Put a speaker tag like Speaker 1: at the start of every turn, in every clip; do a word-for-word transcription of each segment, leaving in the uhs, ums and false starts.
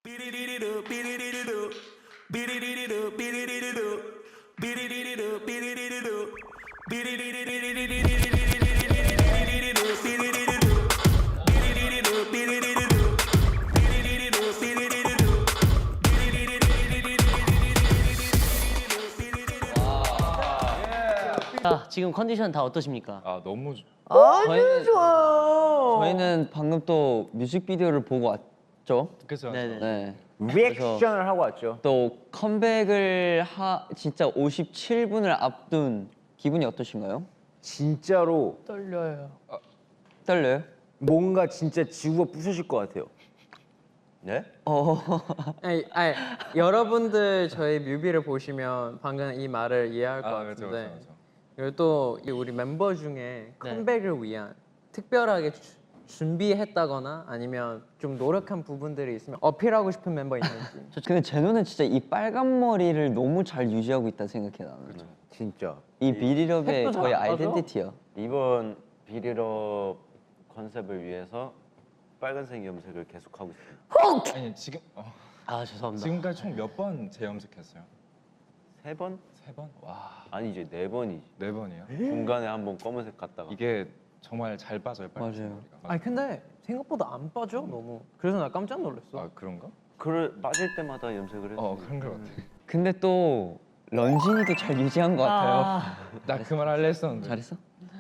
Speaker 1: 자, 지금 컨디션 다 어떠십니까?
Speaker 2: 아 너무 주-
Speaker 3: 아주 좋아.
Speaker 4: 저희는 방금 또 뮤직비디오를 보고 왔죠.
Speaker 2: 그죠?
Speaker 1: 네네.
Speaker 4: 네.
Speaker 3: 리액션을 하고 왔죠.
Speaker 4: 또 컴백을 하 진짜 오십칠 분을 앞둔 기분이 어떠신가요?
Speaker 3: 진짜로
Speaker 1: 떨려요.
Speaker 4: 떨려요?
Speaker 3: 뭔가 진짜 지구가 부서질 것 같아요.
Speaker 4: 네?
Speaker 5: 어. 아니, 아니, 여러분들 저희 뮤비를 보시면 방금 이 말을 이해할 것
Speaker 2: 아 그렇죠
Speaker 5: 같은데
Speaker 2: 그렇죠.
Speaker 5: 그리고 또 우리 멤버 중에 컴백을 위한 특별하게 주, 준비했다거나 아니면 좀 노력한 부분들이 있으면 어필하고 싶은 멤버 있는지.
Speaker 4: 저 근데 제노는 진짜 이 빨간 머리를 너무 잘 유지하고 있다 생각해 나는.
Speaker 3: 진짜.
Speaker 4: 이 비리럽의
Speaker 5: 색도 잘
Speaker 4: 거의
Speaker 5: 안 빠져?
Speaker 4: 아이덴티티야.
Speaker 6: 이번 비리럽 컨셉을 위해서 빨간색 염색을 계속하고 있습니다.
Speaker 2: 아니 지금 어,
Speaker 1: 아, 죄송합니다.
Speaker 2: 지금까지 총 몇 번 재염색했어요?
Speaker 6: 세 번?
Speaker 2: 세 번? 와,
Speaker 6: 아니 이제 네 번이지.
Speaker 2: 네 번이요?
Speaker 6: 중간에 한 번 검은색 갔다가
Speaker 2: 이게 정말 잘 빠져요, 빨간색
Speaker 4: 맞아요.
Speaker 2: 머리가.
Speaker 5: 아니 근데 생각보다 안 빠져 너무. 그래서 나 깜짝 놀랐어.
Speaker 2: 아 그런가?
Speaker 6: 그걸 빠질 때마다 염색을 했어.
Speaker 2: 어 그런 것 같아.
Speaker 4: 근데 또 런쥔이도 잘 유지한 것 같아요.
Speaker 1: 아,
Speaker 2: 나 그 말 할래 했었는데.
Speaker 4: 잘했어?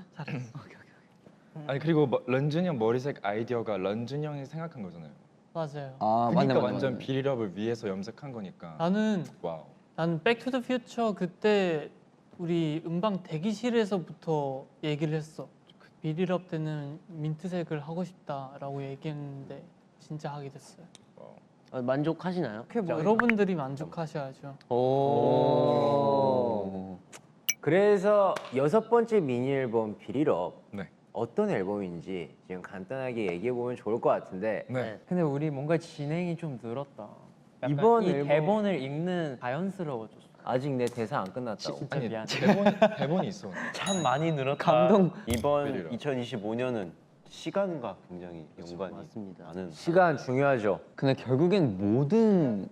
Speaker 2: 아니 그리고 뭐, 런쥔이 형 머리색 아이디어가 런쥔이 형이 생각한 거잖아요.
Speaker 7: 맞아요.
Speaker 4: 아
Speaker 2: 그러니까
Speaker 4: 맞네 맞네.
Speaker 2: 완전
Speaker 4: 맞네.
Speaker 2: 비리럽을 위해서 염색한 거니까.
Speaker 7: 나는
Speaker 2: 와우.
Speaker 7: 난 백투더퓨처 그때 우리 음방 대기실에서부터 얘기를 했어. 비리럽 때는 민트색을 하고 싶다라고 얘기했는데 진짜 하게 됐어요.
Speaker 1: 어, 만족하시나요?
Speaker 5: 그게 뭐
Speaker 7: 여러분들이 만족하셔야죠.
Speaker 4: 오.
Speaker 3: 그래서 여섯 번째 미니 앨범 비리럽
Speaker 2: 네.
Speaker 3: 어떤 앨범인지 지금 간단하게 얘기해 보면 좋을 것 같은데
Speaker 2: 네.
Speaker 5: 근데 우리 뭔가 진행이 좀 늘었다. 약간
Speaker 3: 이번
Speaker 5: 이
Speaker 3: 앨범-
Speaker 5: 대본을 읽는 자연스러워졌어.
Speaker 3: 아직 내 대사 안 끝났다고.
Speaker 5: 진짜
Speaker 2: 아니
Speaker 5: 미안.
Speaker 2: 대본 대본이 있어.
Speaker 6: 참 많이 늘었다.
Speaker 4: 감동.
Speaker 6: 이번
Speaker 2: 비리럽.
Speaker 6: 이천이십오 년은 시간과 굉장히 연관이
Speaker 1: 맞습니다.
Speaker 6: 많은.
Speaker 3: 시간 중요하죠.
Speaker 4: 근데 결국엔 모든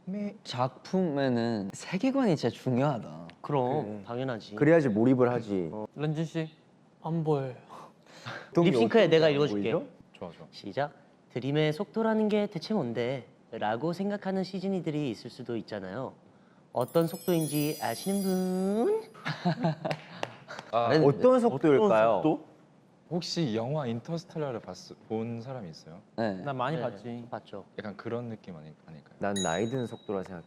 Speaker 4: 작품에는 세계관이 진짜 중요하다.
Speaker 1: 그럼 당연하지.
Speaker 3: 그래야지 몰입을 하지.
Speaker 5: 런쥔 씨.
Speaker 7: 안 보여요.
Speaker 1: 립싱크에 내가 읽어줄게.
Speaker 3: 보이죠?
Speaker 2: 좋아 좋아.
Speaker 1: 시작. 드림의 속도라는 게 대체 뭔데? 라고 생각하는 시즌이들이 있을 수도 있잖아요. 어떤 속도인지 아시는 분?
Speaker 2: 아,
Speaker 3: 어떤 속도일까요?
Speaker 6: 또?
Speaker 2: 혹시 영화 인터스텔라를 봤, 본 사람이 있어요?
Speaker 4: 네.
Speaker 5: 나 많이
Speaker 1: 네,
Speaker 5: 봤지.
Speaker 1: 봤죠.
Speaker 2: 약간 그런 느낌 아니, 아닐까요?
Speaker 3: 난 나이 드는 속도라 생각해.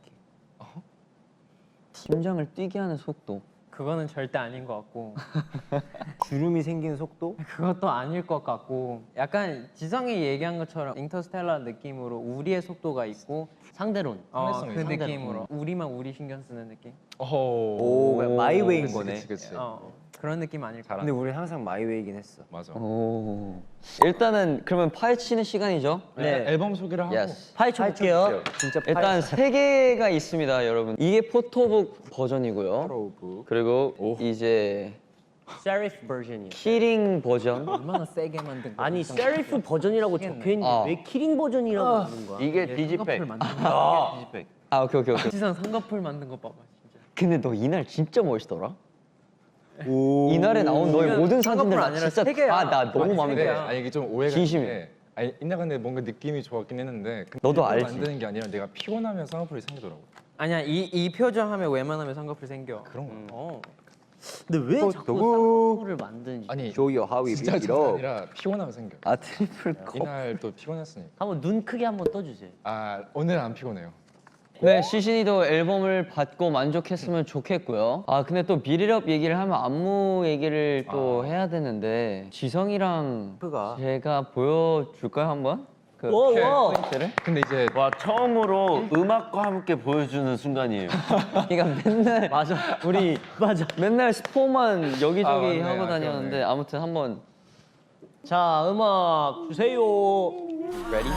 Speaker 4: 심장을 뛰게 하는 속도.
Speaker 5: 그거는 절대 아닌 것 같고
Speaker 3: 주름이 생기는 속도?
Speaker 5: 그것도 아닐 것 같고 약간 지성이 얘기한 것처럼 인터스텔라 느낌으로 우리의 속도가 있고
Speaker 1: 상대론.
Speaker 5: 어,
Speaker 2: 상대성이
Speaker 5: 그
Speaker 2: 있어.
Speaker 5: 느낌으로 우리만 우리 신경 쓰는 느낌?
Speaker 3: 오, 그냥 마이웨이인
Speaker 2: 그치,
Speaker 3: 거네.
Speaker 2: 그치, 그치.
Speaker 5: 어, 그런 느낌 아닐까?
Speaker 3: 근데 우리 항상 마이웨이긴 했어.
Speaker 2: 맞아.
Speaker 4: 오. 일단은 그러면 파헤치는 시간이죠.
Speaker 2: 네. 앨범 소개를 하고.
Speaker 4: 예스.
Speaker 1: 파헤쳐 볼게요.
Speaker 3: 진짜
Speaker 4: 일단 세 개가 있습니다, 여러분. 이게 포토북 버전이고요.
Speaker 3: 프로브.
Speaker 4: 그리고
Speaker 2: 오.
Speaker 4: 이제
Speaker 1: 세리프 버전이요.
Speaker 4: 키링 버전.
Speaker 5: 얼마나 세게 만든 거야?
Speaker 1: 아니 세리프 버전이라고 적혀 있는데
Speaker 4: 아.
Speaker 1: 왜 키링 버전이라고 하는 거야?
Speaker 6: 이게
Speaker 5: 쌍꺼풀
Speaker 6: 디지팩.
Speaker 5: 만든
Speaker 6: 이게
Speaker 5: 거.
Speaker 6: 디지팩.
Speaker 4: 아 오케이 오케이 오케이.
Speaker 5: 지성 쌍꺼풀 만든 거 봐봐 진짜.
Speaker 4: 근데 너 이날 진짜 멋있더라.
Speaker 3: 오.
Speaker 4: 이날에 나온 너의
Speaker 5: 이건
Speaker 4: 모든
Speaker 5: 쌍꺼풀
Speaker 4: 사진들 나
Speaker 5: 아니라
Speaker 4: 진짜
Speaker 5: 세 개야.
Speaker 4: 다나 너무
Speaker 5: 아니,
Speaker 4: 마음에
Speaker 5: 세
Speaker 4: 들어.
Speaker 5: 개야.
Speaker 2: 아니 이게 좀 오해가
Speaker 4: 진심이야.
Speaker 2: 있는데 아니 이나 근데 뭔가 느낌이 좋았긴 했는데 근데
Speaker 4: 너도
Speaker 2: 일부러
Speaker 4: 알지.
Speaker 2: 만드는 게 아니라 내가 피곤하면 쌍꺼풀이 생기더라고.
Speaker 5: 아니야 이, 이 표정 하면 웬만하면 쌍꺼풀 생겨.
Speaker 2: 그런 거.
Speaker 5: 어.
Speaker 1: 근데 왜
Speaker 3: 또
Speaker 1: 자꾸
Speaker 3: 누구?
Speaker 1: 쌍꺼풀을 만드는지.
Speaker 2: 아니
Speaker 3: Show you how we
Speaker 2: 진짜
Speaker 3: beat it
Speaker 2: 장난
Speaker 3: up.
Speaker 2: 아니라 피곤하면 생겨.
Speaker 4: 아 트리플 컵.
Speaker 2: 이날 또 피곤했으니까.
Speaker 1: 한번 눈 크게 한번 떠주세요.
Speaker 2: 아 오늘 안 피곤해요.
Speaker 4: 네, 시신이도 앨범을 받고 만족했으면 좋겠고요. 아 근데 또 비리럽 얘기를 하면 안무 얘기를 또
Speaker 2: 아.
Speaker 4: 해야 되는데 지성이랑
Speaker 3: 그가
Speaker 4: 제가 보여줄까요 한번? 그
Speaker 1: 와, 와.
Speaker 4: 포인트를?
Speaker 2: 근데 이제
Speaker 6: 와 처음으로 음악과 함께 보여주는 순간이에요.
Speaker 4: 그러니까 맨날
Speaker 1: 맞아. 우리 맞아.
Speaker 4: 맨날 스포만 여기저기
Speaker 2: 아, 맞네.
Speaker 4: 하고
Speaker 2: 아,
Speaker 4: 다녔는데
Speaker 2: 그러네.
Speaker 4: 아무튼 한번
Speaker 1: 자, 음악 주세요.
Speaker 4: ready?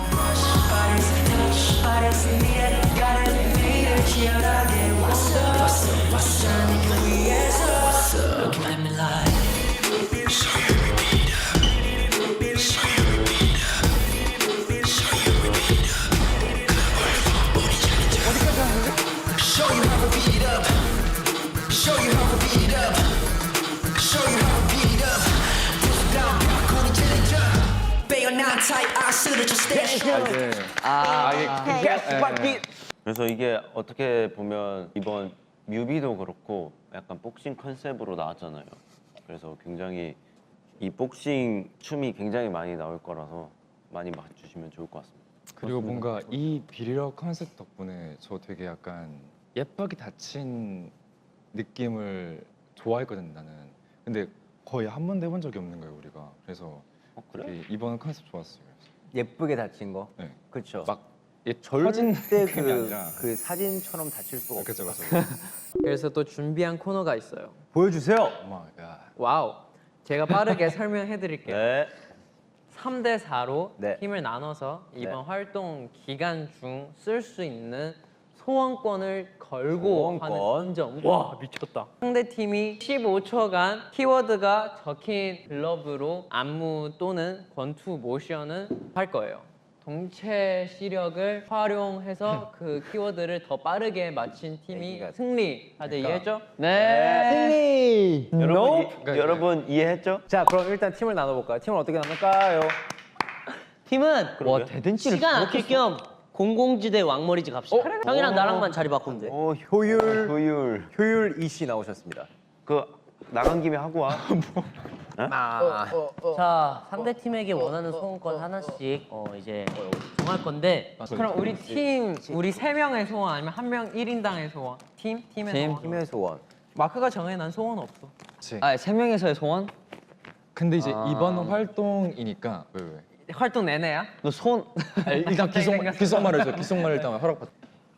Speaker 2: 이제 아 이게 예,
Speaker 6: 그래서 이게 어떻게 보면 이번 뮤비도 그렇고 약간 복싱 컨셉으로 나왔잖아요. 그래서 굉장히 이 복싱 춤이 굉장히 많이 나올 거라서 많이 봐주시면 좋을 것 같습니다.
Speaker 2: 그리고 뭔가 이 비리러 컨셉 덕분에 저 되게 약간 예쁘게 다친 느낌을 좋아했거든 나는. 근데 거의 한 번도 해본 적이 없는 거예요 우리가. 그래서
Speaker 6: 어, 그래?
Speaker 2: 되게 이번 컨셉 좋았어요.
Speaker 3: 예쁘게 다친 거.
Speaker 2: 네.
Speaker 3: 그렇죠.
Speaker 2: 막 예, 터진
Speaker 3: 절대
Speaker 2: 느낌이
Speaker 3: 그,
Speaker 2: 아니라.
Speaker 3: 그 사진처럼 다칠 수가 없어.
Speaker 2: 그렇죠, 그렇죠.
Speaker 5: 그래서 또 준비한 코너가 있어요.
Speaker 3: 보여주세요.
Speaker 2: 어머, 야.
Speaker 5: 와우. 제가 빠르게 설명해 드릴게요.
Speaker 3: 네.
Speaker 5: 삼 대 사로
Speaker 3: 네.
Speaker 5: 팀을 나눠서 이번
Speaker 3: 네.
Speaker 5: 활동 기간 중 쓸 수 있는 소원권을 걸고
Speaker 3: 소원권.
Speaker 5: 하는 인정. 와 미쳤다. 상대 팀이 십오 초간 키워드가 적힌 글러브로 안무 또는 권투 모션을 할 거예요. 동체 시력을 활용해서 그 키워드를 더 빠르게 맞힌 팀이
Speaker 3: 애기가-
Speaker 5: 승리. 다들 이해했죠?
Speaker 4: 네.
Speaker 6: 여러분, 이,
Speaker 2: 그러니까
Speaker 6: 여러분 이해했죠?
Speaker 3: 자, 그럼 일단 팀을 나눠볼까요? 팀을 어떻게 나눌까요?
Speaker 1: 팀은
Speaker 4: 와 대댄치를
Speaker 1: 시간 아낄 겸 공공지대 왕머리지 갑시다. 형이랑 나랑만 자리 바꾸면 돼.
Speaker 6: 오
Speaker 3: 효율,
Speaker 6: 효율.
Speaker 3: 효율 이씨 나오셨습니다.
Speaker 6: 그 나간 김에 하고 와.
Speaker 3: 아,
Speaker 1: 자, 상대 팀에게 원하는 소원권 하나씩 어, 이제 정할 건데
Speaker 5: 그럼 우리 팀 우리 세 명의 소원 아니면 한 명 일 인당의 소원? 팀 팀의
Speaker 4: 팀.
Speaker 5: 소원.
Speaker 3: 팀의 소원.
Speaker 5: 마크가 정해 난 소원 없어.
Speaker 2: 그치.
Speaker 4: 아세 명에서의 소원?
Speaker 2: 근데 이제
Speaker 4: 아.
Speaker 2: 이번 활동이니까 왜 왜?
Speaker 5: 활동 내내야?
Speaker 4: 너 손.
Speaker 2: 아, 일단 기속 기속말을 줘. 기속말 일단 허락받.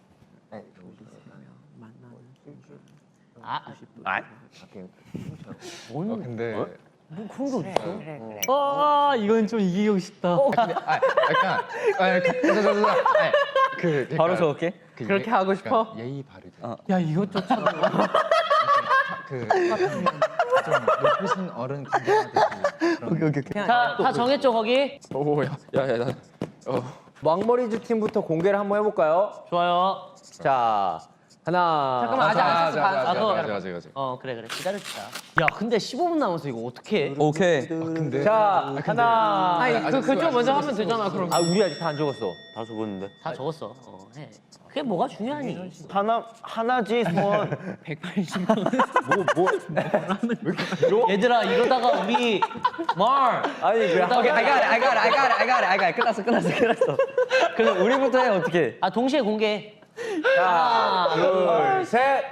Speaker 1: 아,
Speaker 6: 아,
Speaker 2: 어, 근데
Speaker 1: 그런 게 어딨어?
Speaker 7: 아 이건 좀 이기고 싶다.
Speaker 2: 근데 아 약간 아 자자자자 그 그러니까
Speaker 4: 바로 저렇게?
Speaker 2: 그
Speaker 5: 그렇게
Speaker 2: 예-
Speaker 5: 하고 싶어?
Speaker 2: 그러니까 예의 바르게
Speaker 7: 야 이것조차
Speaker 2: 그 좀 높으신 어른 분들한테 그런
Speaker 1: 자, 다 정했죠 거기?
Speaker 2: 오야야야
Speaker 3: 왕머리즈 팀부터 공개를 한번 해볼까요?
Speaker 1: 좋아요.
Speaker 3: 자, 하나.
Speaker 5: 잠깐만, 아직 안 했어. 반.
Speaker 1: 아, 그거-
Speaker 2: 아직 아직 아직
Speaker 1: 어 그래 그래 기다립시다. 야 근데 십오 분 남았어 이거 어떻게?
Speaker 4: 오케이.
Speaker 2: 근데
Speaker 3: 자, 하나.
Speaker 5: 아니
Speaker 2: 아직
Speaker 5: 그 그쪽
Speaker 2: 아직
Speaker 5: 먼저
Speaker 2: 아직
Speaker 5: 하면 되잖아. 그럼.
Speaker 3: 아, 우리 아직 다 안 적었어.
Speaker 6: 다 적었는데.
Speaker 1: 다 적었어. 어, 해. 그게 뭐가 중요하니?
Speaker 6: 하나 하나지 소원.
Speaker 3: 뭐, 뭐.
Speaker 1: 얘들아 이러다가 우리 말
Speaker 3: 아니, 그래.
Speaker 4: 오케이, I got it, I got it, I got it, I got it, I got it. 끝났어, 끝났어, 끝났어. 그럼 우리부터 해 어떻게?
Speaker 1: 아 동시에 공개.
Speaker 3: 하나, 둘, 셋.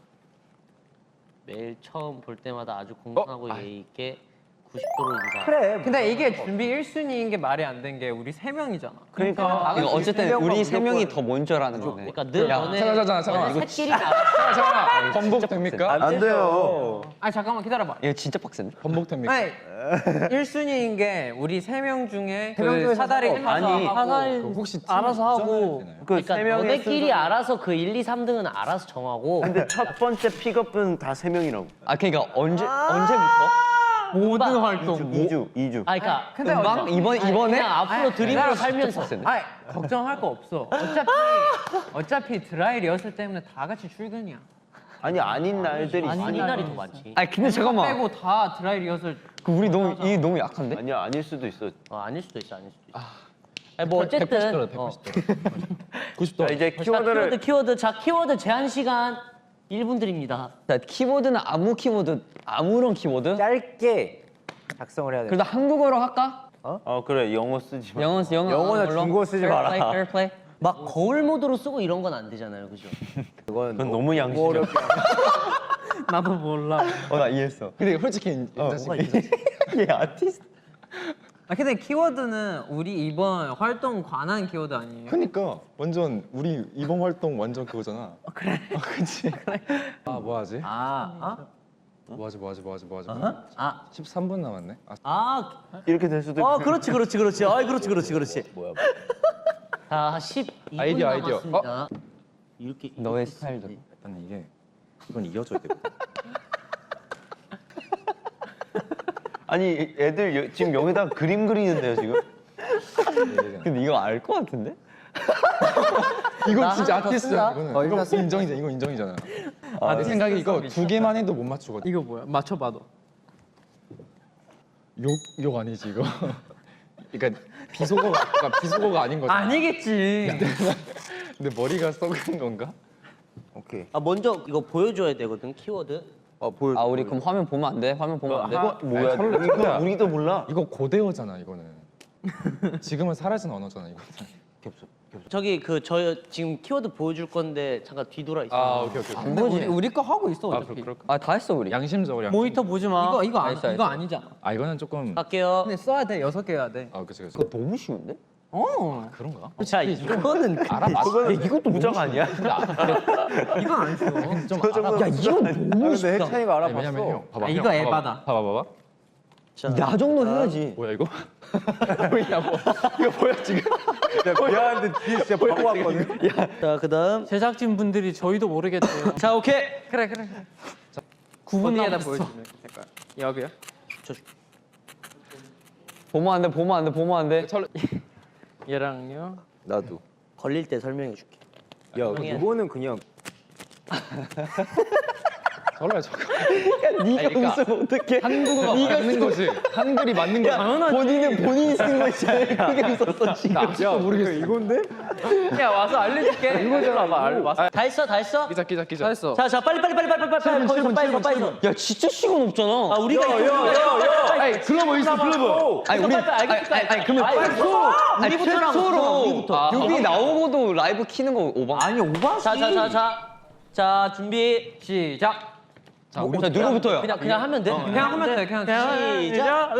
Speaker 1: 매일 처음 볼 때마다 아주 공손하고 예의 있게 구십 도로 인사.
Speaker 3: 그래.
Speaker 5: 근데 이게 준비 일 순위인 게 말이 안 된 게 우리 세 명이잖아.
Speaker 6: 그러니까
Speaker 4: 이거 어쨌든
Speaker 3: 명과
Speaker 4: 우리 세 명이
Speaker 3: 무조건-
Speaker 4: 더 먼저라는 거네.
Speaker 1: 그러니까 늘
Speaker 4: 야,
Speaker 1: 너네
Speaker 2: 잠깐, 잠깐, 잠깐만.
Speaker 1: 너네 새끼리 나.
Speaker 2: 잠깐만 잠깐만 번복 됩니까?
Speaker 6: 안 돼요.
Speaker 5: 아니 잠깐만 기다려봐.
Speaker 4: 이거 진짜 빡센데?
Speaker 2: 번복 됩니까?
Speaker 5: 아니 일 순위인 게 우리 세 명 중에
Speaker 3: 세명
Speaker 5: 그
Speaker 3: 중에
Speaker 5: 사다리
Speaker 3: 상관없어.
Speaker 6: 아니,
Speaker 7: 사다리
Speaker 2: 그 혹시
Speaker 7: 알아서 하고
Speaker 2: 되나요?
Speaker 6: 그
Speaker 1: 그러니까
Speaker 6: 세 명의
Speaker 1: 너네끼리
Speaker 6: 순서-
Speaker 1: 알아서 그 일, 이, 삼 등은 알아서 정하고
Speaker 6: 근데 첫 번째 픽업은 다 세 명이라고.
Speaker 4: 아 그러니까 언제 언제부터?
Speaker 7: 모든 활동.
Speaker 6: 이 주, 이 주.
Speaker 1: 아 그러니까
Speaker 5: 근데
Speaker 4: 음방
Speaker 5: 어차-
Speaker 4: 이번
Speaker 1: 아니,
Speaker 4: 이번에
Speaker 1: 그냥 앞으로 드립으로 살면서
Speaker 5: 아니 걱정할 거 없어. 어차피 어차피 드라이 리허설 때문에 다 같이 출근이야.
Speaker 6: 아니 아닌 날들이
Speaker 1: 아닌
Speaker 6: 있으니까.
Speaker 1: 날이 더 많지.
Speaker 4: 아니 근데 잠깐만.
Speaker 5: 빼고 다 드라이 리허설.
Speaker 4: 그 우리 너무 이 너무 약한데?
Speaker 6: 아니야 아닐 수도 있어.
Speaker 1: 어, 아닐 수도 있어, 아닐 수도 있어. 아니, 뭐 어쨌든
Speaker 2: 백팔십 도로
Speaker 1: 어.
Speaker 2: 백팔십 도로 구십 도
Speaker 6: 자 이제
Speaker 1: 자,
Speaker 6: 키워드를
Speaker 1: 키워드 키워드 자 키워드 제한 시간 일 분 드립니다.
Speaker 4: 자, 키보드는 아무 키보드 아무런 키보드?
Speaker 3: 짧게 작성을 해야 돼.
Speaker 4: 그래도 한국어로 할까?
Speaker 6: 어 그래 영어 쓰지 마.
Speaker 4: 영어 영어
Speaker 3: 영어나
Speaker 4: 걸로?
Speaker 3: 중국어 쓰지
Speaker 4: Fair
Speaker 3: 마라.
Speaker 4: play, fair play.
Speaker 1: 막 거울 모드로 쓰고 이런 건 안 되잖아요, 그죠?
Speaker 3: 그건
Speaker 6: 그건 너무 양심적.
Speaker 5: 나도 몰라.
Speaker 4: 어나 이해했어.
Speaker 2: 근데 솔직히 인자식
Speaker 4: 얘 아티스트.
Speaker 5: 아 근데 키워드는 우리 이번 활동 관한 키워드 아니에요?
Speaker 2: 그러니까 완전 우리 이번 활동 완전 그거잖아. 그래. 아, 그치. 아, 뭐 하지?
Speaker 3: 아, 어?
Speaker 2: 뭐 하지, 뭐 하지, 뭐 하지, 뭐 하지.
Speaker 1: 아,
Speaker 2: 십삼 분 남았네. 아,
Speaker 1: 아,
Speaker 6: 이렇게 될 수도
Speaker 1: 어,
Speaker 6: 있고.
Speaker 1: 그렇지, 그렇지, 그렇지. 아, 그렇지, 그렇지, 그렇지.
Speaker 3: 뭐야?
Speaker 1: 자, 십이 분
Speaker 2: 아이디어, 아이디어.
Speaker 1: 남았습니다. 이렇게
Speaker 4: 너의
Speaker 1: 이렇게
Speaker 4: 스타일대로.
Speaker 2: 일단 이게 이건 이어져야 되거든.
Speaker 6: 아니 애들 여- 지금 여기다 그림 그리는데요 지금?
Speaker 4: 근데 이거 알 것 같은데?
Speaker 2: 이건
Speaker 1: 나
Speaker 2: 진짜
Speaker 1: 하나 더
Speaker 2: 아티스트야.
Speaker 1: 쓴다.
Speaker 2: 이거는. 이거 인정이잖아. 이거 인정이잖아. 아, 내 생각에 이거 두 개만 해도 못 맞추거든.
Speaker 5: 이거 뭐야? 맞춰봐도.
Speaker 2: 욕, 욕 아니지 이거. 그러니까 비속어가 그러니까 비속어가 아닌 거잖아.
Speaker 5: 아니겠지.
Speaker 2: 근데 머리가 썩은 건가?
Speaker 3: 오케이.
Speaker 1: 아 먼저 이거 보여줘야 되거든 키워드.
Speaker 3: 어 보여.
Speaker 4: 아 우리 그럼 화면 보면 안 돼? 화면 보면 안 돼?
Speaker 2: 이거 뭐야?
Speaker 6: 우리,
Speaker 2: 이거
Speaker 6: 우리도 몰라.
Speaker 2: 이거 고대어잖아 이거는. 지금은 사라진 언어잖아 이거는.
Speaker 6: 겹쳐.
Speaker 1: 저기 그 저 지금 키워드 보여줄 건데 잠깐 뒤돌아 있어.
Speaker 2: 아 오케이 오케이.
Speaker 4: 안 보지?
Speaker 5: 우리 거 하고 있어
Speaker 2: 아
Speaker 5: 어차피.
Speaker 2: 그럴, 그럴까?
Speaker 4: 아 다 했어 우리.
Speaker 2: 양심적으로 양심.
Speaker 7: 모니터 보지 마.
Speaker 5: 이거 이거 안,
Speaker 4: 알겠어,
Speaker 5: 이거
Speaker 4: 알겠어.
Speaker 5: 아니잖아.
Speaker 2: 아 이거는 조금.
Speaker 1: 갈게요.
Speaker 5: 근데 써야 돼 여섯 개 해야 돼.
Speaker 2: 아 그치 그치.
Speaker 6: 그거 너무 쉬운데?
Speaker 5: 어.
Speaker 2: 그런가?
Speaker 1: 자 이거는
Speaker 2: 알아봤어.
Speaker 6: 이것도 무적 아니야?
Speaker 5: 이거 안 써.
Speaker 2: 좀 알아.
Speaker 6: 야 이건 너무
Speaker 3: 근데 해찬이가
Speaker 2: 아니,
Speaker 3: 알아봤어.
Speaker 2: 왜냐면 형 봐봐.
Speaker 5: 아,
Speaker 2: 형,
Speaker 5: 이거
Speaker 2: 봐봐,
Speaker 5: 에바다.
Speaker 2: 봐봐 봐봐.
Speaker 1: 자,
Speaker 6: 야 정도 해야지.
Speaker 2: 뭐야 이거? 뭐야 뭐 이거 뭐야 지금?
Speaker 3: 야, 미안한데 뒤에 진짜 바보 왔거든.
Speaker 1: 자 그다음
Speaker 7: 제작진 분들이 저희도 모르겠대요.
Speaker 1: 자 오케이.
Speaker 5: 그래 그래.
Speaker 7: 구 분
Speaker 5: 어디에다
Speaker 7: 남았어.
Speaker 5: 보여주면 색깔. 여기요?
Speaker 4: 보면 안 돼. 보면 안 돼. 보면 안 돼.
Speaker 5: 얘랑요.
Speaker 3: 나도.
Speaker 1: 걸릴 때 설명해 줄게.
Speaker 3: 야
Speaker 1: 형이야.
Speaker 3: 이거는 그냥
Speaker 2: 설레 저거.
Speaker 6: 네가
Speaker 2: 그러니까
Speaker 6: 웃으면 어떡해?
Speaker 2: 한국어가 맞는 거지. 한글이 맞는 거야.
Speaker 6: 본인은 본인이 쓴 거에 제일 크게 웃었어 지금.
Speaker 2: 야 모르겠어.
Speaker 3: 이건데?
Speaker 5: 야 와서 알려줄게. 이거잖아. 알 와서.
Speaker 1: 다 했어 다 했어?
Speaker 2: 기자 기자 기자.
Speaker 5: 했어.
Speaker 1: 자 자 빨리 빨리 빨리 빨리 빨리 빨리 거기서 빨리 서 빨리 서.
Speaker 4: 야 진짜 시간 없잖아.
Speaker 1: 아 우리가
Speaker 2: 아니 글러브 있어 글러브.
Speaker 4: 아니 우리
Speaker 1: 빨리, 빨리, 알겠다.
Speaker 4: 아니, 아니 그러면
Speaker 1: 아니,
Speaker 4: 최소 아니
Speaker 1: 우리부터랑
Speaker 4: 최소로
Speaker 1: 우리부터.
Speaker 4: 여기 나오고도 라이브 키는 거 오바.
Speaker 5: 아니 오바지.
Speaker 1: 자자자자 자 준비
Speaker 5: 시작.
Speaker 4: 자 우리 자 누구부터요?
Speaker 1: 그냥 그냥 하면 돼.
Speaker 5: 그냥 하면 돼. 그냥
Speaker 1: 시작.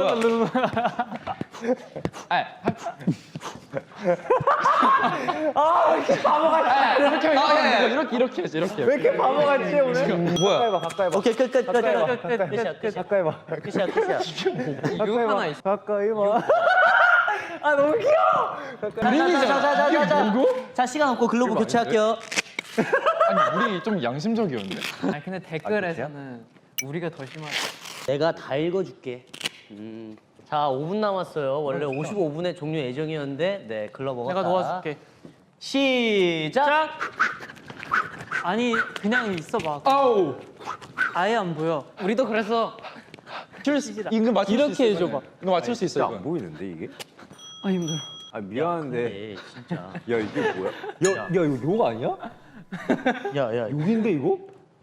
Speaker 2: 이렇게
Speaker 4: 아, 예, 예.
Speaker 2: 이렇게 이렇게 해야지 이렇게.
Speaker 3: 왜 이렇게 바보 같지 오늘?
Speaker 4: 뭐야?
Speaker 3: 가까이 봐 가까이 봐.
Speaker 1: 오케이 끝끝 끝
Speaker 3: 가까이 봐.
Speaker 1: 끝 끝 끝이야 끝이야
Speaker 3: 가까이 봐.
Speaker 1: 끝이야 끝이야.
Speaker 5: 이거 하나 있어.
Speaker 3: 가까이 봐. 아 너무 귀여워.
Speaker 1: 자자자자자자. 자 시간 없고 글로브 교체할게요.
Speaker 2: 아니 우리 좀 양심적이었는데.
Speaker 5: 아니 근데 댓글에서는 우리가 더 심하다.
Speaker 1: 내가 다 읽어줄게. 음. 자 오 분 남았어요. 원래 오십오 분에 종료 예정이었는데 네 글러버가
Speaker 7: 내가 도와줄게.
Speaker 1: 시작.
Speaker 7: 아니 그냥 있어봐.
Speaker 2: 아우.
Speaker 7: 아예 안 보여.
Speaker 5: 우리도 그랬어.
Speaker 2: 이거 맞출 수 있어.
Speaker 7: 이렇게 해줘봐.
Speaker 2: 이거 맞출 수 있어
Speaker 3: 진짜 안
Speaker 2: 이건.
Speaker 3: 보이는데 이게?
Speaker 5: 아 힘들어.
Speaker 3: 아 미안한데.
Speaker 1: 네 진짜.
Speaker 3: 야 이게 뭐야? 야, 야 이거 욕 아니야?
Speaker 1: 야야.
Speaker 3: 욕인데 이거?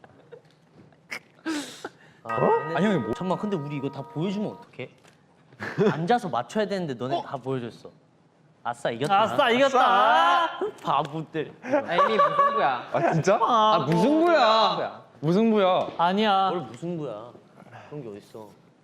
Speaker 1: 아,
Speaker 2: 아니 형이 뭐?
Speaker 1: 잠깐만 근데 우리 이거 다 보여주면 어떡해? 앉아서 맞춰야 되는데 너네 다 보여줬어. 아싸 이겼다.
Speaker 7: 아싸 이겼다.
Speaker 1: 바보들.
Speaker 5: 아 이미 무승부야.
Speaker 2: 아 진짜?
Speaker 4: 아 무슨 거야?
Speaker 2: 무슨 부야?
Speaker 7: 아니야.
Speaker 1: 뭘 무슨 거야? 그런 게 어딨어?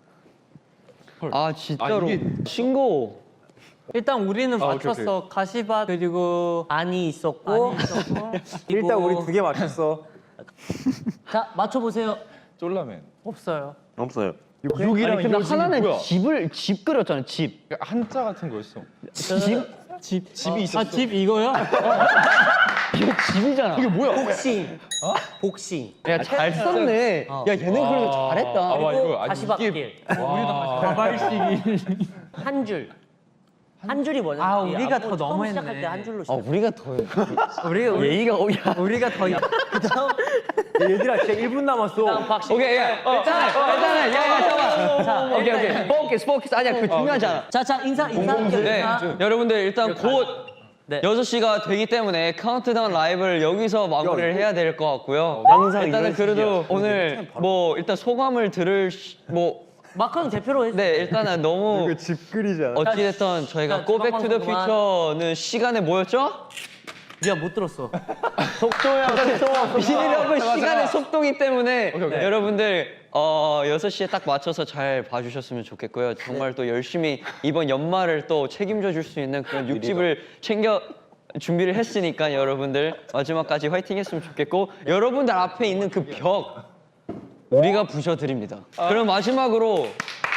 Speaker 4: 아 진짜로
Speaker 2: 아, 이게-
Speaker 4: 신고.
Speaker 7: 일단 우리는
Speaker 2: 아, 오케이,
Speaker 7: 맞췄어. 가시밭 그리고
Speaker 1: 안이 있었고.
Speaker 7: 아니 있었고.
Speaker 3: 일단 우리 두 개 맞췄어.
Speaker 1: 자 맞춰 보세요.
Speaker 2: 쫄라맨.
Speaker 7: 없어요.
Speaker 6: 없어요.
Speaker 2: 육이랑
Speaker 4: 근데 하나는 집을 집 그렸잖아 집.
Speaker 2: 한자 같은 거였어.
Speaker 7: 집? 집.
Speaker 2: 집이 있었어.
Speaker 7: 아집 이거요?
Speaker 4: 이거 집이잖아.
Speaker 2: 이게 뭐야?
Speaker 1: 복싱. 복싱.
Speaker 4: 야 잘 썼네.
Speaker 1: 어.
Speaker 4: 야 얘는 그래도
Speaker 2: 아,
Speaker 4: 잘했다.
Speaker 2: 와,
Speaker 1: 그리고
Speaker 2: 이거 아니,
Speaker 1: 가시밭길.
Speaker 2: 와.
Speaker 7: 가발식이.
Speaker 1: 한 줄. 한 줄이 뭐냐?
Speaker 5: 아,
Speaker 1: 이
Speaker 5: 우리가
Speaker 1: 안무
Speaker 5: 더
Speaker 1: 처음
Speaker 5: 너무했네.
Speaker 1: 시작할 때 한 줄로
Speaker 4: 아
Speaker 1: 시작.
Speaker 4: 우리가 더
Speaker 5: 우리 우리
Speaker 4: 예의가 오야.
Speaker 5: 우리가 더
Speaker 1: 그다음
Speaker 3: 야, 얘들아 진짜 일 분 남았어.
Speaker 1: 그다음 박싱.
Speaker 4: 오케이 야 일단은 일단은 야야 잠깐. 자 오케이 오케이 포커스 포커스 아니야 그 중요하지 않아.
Speaker 1: 자자 인사 인사할게요.
Speaker 4: 네,
Speaker 1: 인사.
Speaker 4: 여러분들 일단 곧
Speaker 1: 네.
Speaker 4: 여섯 시가 되기 때문에 카운트다운 라이브를 여기서 마무리를 해야 될 것 같고요.
Speaker 6: 항상
Speaker 4: 일단은
Speaker 6: 이런
Speaker 4: 그래도
Speaker 6: 식이야.
Speaker 4: 오늘 뭐 일단 소감을 들을 시- 뭐
Speaker 1: 마크는 대표로 해.
Speaker 4: 네, 일단은 너무
Speaker 3: 이거 집 그리잖아.
Speaker 4: 어찌됐든 저희가
Speaker 1: 자,
Speaker 4: 고백 투 더
Speaker 1: 그만.
Speaker 4: 퓨처는 시간에 뭐였죠?
Speaker 1: 미안 못 들었어.
Speaker 4: 속도야 속도. 비닐업은 시간의 속도기 때문에
Speaker 2: 오케이, 오케이.
Speaker 4: 여러분들 어, 여섯 시에 딱 맞춰서 잘 봐주셨으면 좋겠고요. 정말 또 열심히 이번 연말을 또 책임져 줄 수 있는 그런 육집을 챙겨 준비를 했으니까 여러분들 마지막까지 화이팅 했으면 좋겠고 여러분들 앞에 있는 그 벽 우리가 부셔드립니다. 그럼 마지막으로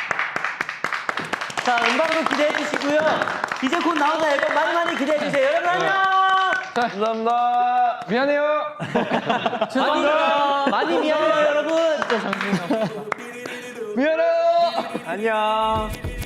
Speaker 1: 자 음방도 기대해 주시고요. 이제 곧 나오는 앨범 많이 많이 기대해 주세요. 여러분 안녕.
Speaker 2: 감사합니다. 미안해요.
Speaker 1: 많이 많이 미안해요 여러분.
Speaker 2: 미안해요.
Speaker 3: 안녕.